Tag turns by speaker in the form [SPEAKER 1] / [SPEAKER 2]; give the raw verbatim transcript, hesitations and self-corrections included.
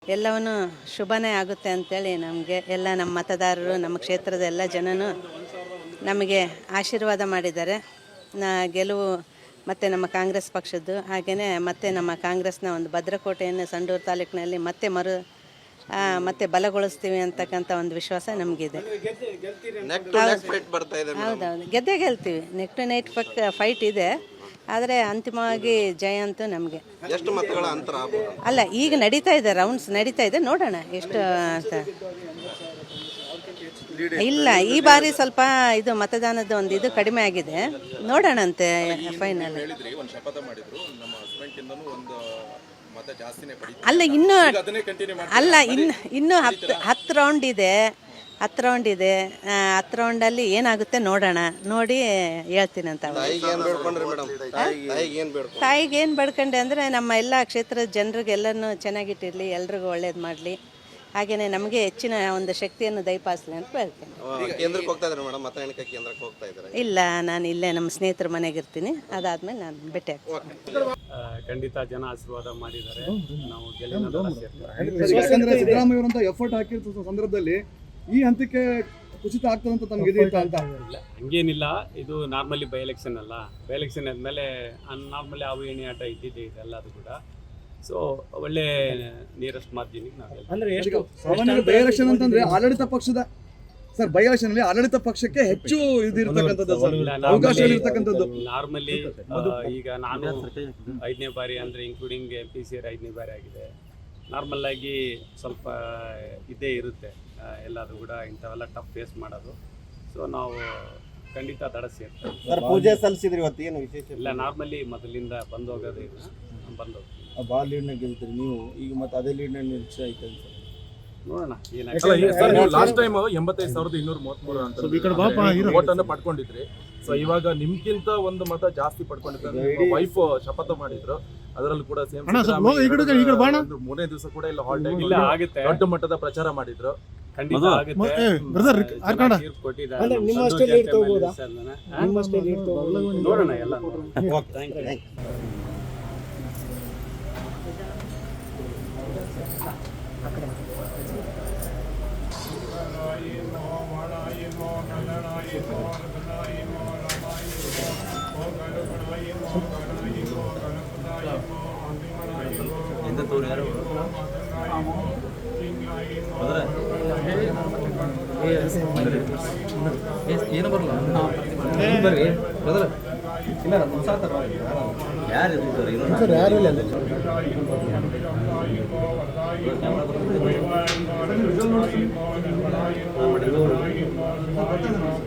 [SPEAKER 1] ಎಲ್ಲವನ್ನೂ ಶುಭನೇ ಆಗುತ್ತೆ ಅಂತೇಳಿ ನಮಗೆ ಎಲ್ಲ ನಮ್ಮ ಮತದಾರರು ನಮ್ಮ ಕ್ಷೇತ್ರದ ಎಲ್ಲ ಜನನೂ ನಮಗೆ ಆಶೀರ್ವಾದ ಮಾಡಿದ್ದಾರೆ. ನಾ ಗೆಲುವು ಮತ್ತು ನಮ್ಮ ಕಾಂಗ್ರೆಸ್ ಪಕ್ಷದ್ದು, ಹಾಗೆಯೇ ಮತ್ತೆ ನಮ್ಮ ಕಾಂಗ್ರೆಸ್ನ ಒಂದು ಭದ್ರಕೋಟೆಯನ್ನು ಸಂಡೂರು ತಾಲೂಕಿನಲ್ಲಿ ಮತ್ತೆ ಮರು ಮತ್ತೆ ಬಲಗೊಳಿಸ್ತೀವಿ ಅಂತಕ್ಕಂಥ ಒಂದು ವಿಶ್ವಾಸ ನಮಗಿದೆ. ಹೌದೌದು, ಗೆದ್ದೇ ಗೆಲ್ತೀವಿ. ನೆಕ್ ಟು ನೈಟ್ ಪಕ್ಕ ಫೈಟ್ ಇದೆ, ಆದರೆ ಅಂತಿಮವಾಗಿ ಜಯ ಅಂತೂ ನಮಗೆ. ಅಲ್ಲ, ಈಗ ನಡೀತಾ ಇದೆ, ರೌಂಡ್ಸ್ ನಡೀತಾ ಇದೆ, ನೋಡೋಣ ಎಷ್ಟು ಅಂತ. ಇಲ್ಲ, ಈ ಬಾರಿ ಸ್ವಲ್ಪ ಇದು ಮತದಾನದ ಒಂದು ಇದು ಕಡಿಮೆ ಆಗಿದೆ, ನೋಡೋಣಂತೆ ಫೈನಲ್. ಅಲ್ಲ ಇನ್ನು ಅಲ್ಲ ಇನ್ನು ಇನ್ನೂ ಹತ್ತು ಹತ್ತು ರೌಂಡ್ ಇದೆ ಹತ್ತು ರೌಂಡ್ ಇದೆ ಹತ್ತು ರೌಂಡಲ್ಲಿ ಏನಾಗುತ್ತೆ ನೋಡೋಣ, ನೋಡಿ ಹೇಳ್ತೀನಿ ಅಂತ. ತಾಯಿಗೆ ಏನು ಬೇಡ್ಕೊಂಡೆ ಅಂದರೆ ನಮ್ಮ ಎಲ್ಲ ಕ್ಷೇತ್ರದ ಜನರಿಗೆ ಎಲ್ಲನೂ ಚೆನ್ನಾಗಿಟ್ಟಿರಲಿ, ಎಲ್ರಿಗೂ ಒಳ್ಳೇದು ಮಾಡಲಿ, ಹಾಗೆಯೇ ನಮಗೆ ಹೆಚ್ಚಿನ ಒಂದು ಶಕ್ತಿಯನ್ನು ದಯಪಾಲಿಸಲಿ ಅಂತ ಹೇಳ್ತೇನೆ. ಇಲ್ಲ, ನಾನು ಇಲ್ಲೇ ನಮ್ಮ ಸ್ನೇಹಿತರ ಮನೆಗೆ ಇರ್ತೀನಿ, ಅದಾದ್ಮೇಲೆ ನಾನು ಭೇಟಿ ಆಗ್ತೀನಿ.
[SPEAKER 2] ಖಂಡಿತ ಜನ ಆಶೀರ್ವಾದ ಮಾಡಿದ್ದಾರೆ, ನಾವು ಗೆಲ್ಲಿನ
[SPEAKER 3] ಸಿದ್ದರಾಮಯ್ಯ ಎಫರ್ಟ್ ಹಾಕಿರೋ ಸಂದರ್ಭದಲ್ಲಿ ಈ ಹಂತಕ್ಕೆ ಕುಸಿತ ಆಗ್ತದೆ ಅಂತ ತಮಗೆ ಅಂತ
[SPEAKER 2] ಹಂಗೇನಿಲ್ಲ. ಇದು ನಾರ್ಮಲಿ ಬೈ ಎಲೆಕ್ಷನ್ ಅಲ್ಲ, ಬೈ ಎಲೆಕ್ಷನ್ ಆದಮೇಲೆ ನಾರ್ಮಲಿ ಅವು ಎಣ್ಣೆ ಆಟ ಇದ್ದಿದ್ದೆ ಇದೆಲ್ಲ, ಅದು ಕೂಡ. ಸೊ ಒಳ್ಳೆ ನಿಯರೆಸ್ಟ್ ಮಾರ್ಜಿನಿಗೆ ನಾವು
[SPEAKER 3] ಅಂದ್ರೆ ಸಾಮಾನ್ಯ ಬೈ ಎಲೆಕ್ಷನ್ ಅಂತಂದ್ರೆ ಆಡಳಿತ ಪಕ್ಷದ ಸರ್ ಬೈ ಎಲೆಕ್ಷನ್ ಅಲ್ಲಿ ಆಡಳಿತ ಪಕ್ಷಕ್ಕೆ ಹೆಚ್ಚು ಇದಿರ್ತಕ್ಕಂಥದ್ದು, ಅವಕಾಶ ಇರ್ತಕ್ಕಂಥದ್ದು.
[SPEAKER 2] ನಾರ್ಮಲಿ ಈಗ ನಾನು ಐದನೇ ಬಾರಿ ಅಂದರೆ including M P C R ಐದನೇ ಬಾರಿ ಆಗಿದೆ. ನಾರ್ಮಲ್ ಆಗಿ ಸ್ವಲ್ಪ ಇದೇ ಇರುತ್ತೆ ಎಲ್ಲರೂ ಕೂಡ, ಇಂಥವೆಲ್ಲ ಟಫ್ ಫೇಸ್ ಮಾಡೋದು. ಸೊ ನಾವು ಖಂಡಿತ ತಡಸಿ
[SPEAKER 4] ಸರ್ ಪೂಜೆ ಸಲ್ಲಿಸಿದ್ರಿ ಇವತ್ತು, ಏನು ವಿಶೇಷ
[SPEAKER 2] ಇಲ್ಲ, ನಾರ್ಮಲಿ ಮೊದಲಿಂದ ಬಂದು ಹೋಗೋದು ಇಲ್ಲ, ಬಂದು ಹೋಗ್ತೀವಿ.
[SPEAKER 4] ಬಾಲ್ ಲೀಡ್ನ ಗೆಲ್ತೀರಿ ನೀವು, ಈಗ ಮತ್ತೆ ಅದೇ ಲೀಡ್ನ ನಿರೀಕ್ಷೆ ಐತೆ ಅಂತ
[SPEAKER 2] ನೋಡೋಣ
[SPEAKER 5] ಏನಾಗ್ತದೆ. ಲಾಸ್ಟ್ ಟೈಮ್ ಎಂಬತ್ತೈದು ಸಾವಿರದ ಇನ್ನೂರ ಮೂವತ್ಮೂರು ಅಂತ ವೋಟ್ ಅನ್ನು ಪಡ್ಕೊಂಡಿದ್ರಿ. ಸೊ ಇವಾಗ ನಿಮ್ಗಿಂತ ಒಂದು ಮತ ಜಾಸ್ತಿ ಪಡ್ಕೊಂಡಿದ್ದಾರೆ. ವೈಫ್ ಶಪಥ ಮಾಡಿದ್ರು, ಅದರಲ್ಲೂ ಕೂಡ ಸೇಮ್ ಮೂರನೇ ದಿವಸ ಕೂಡ ಇಲ್ಲ ಹಾಲ್ಟ್
[SPEAKER 2] ಇಲ್ಲ ಆಗುತ್ತೆ,
[SPEAKER 5] ದೊಡ್ಡ ಮಟ್ಟದ ಪ್ರಚಾರ ಮಾಡಿದ್ರು.
[SPEAKER 2] ಖಂಡಿತ ಆಗುತ್ತೆ. ನೋಡೋಣ ಎಲ್ಲ.
[SPEAKER 6] ಏನು ಬರಲ್ಲ ಬರ್ರಿ ಬದಲ ಇಲ್ಲ ಯಾರು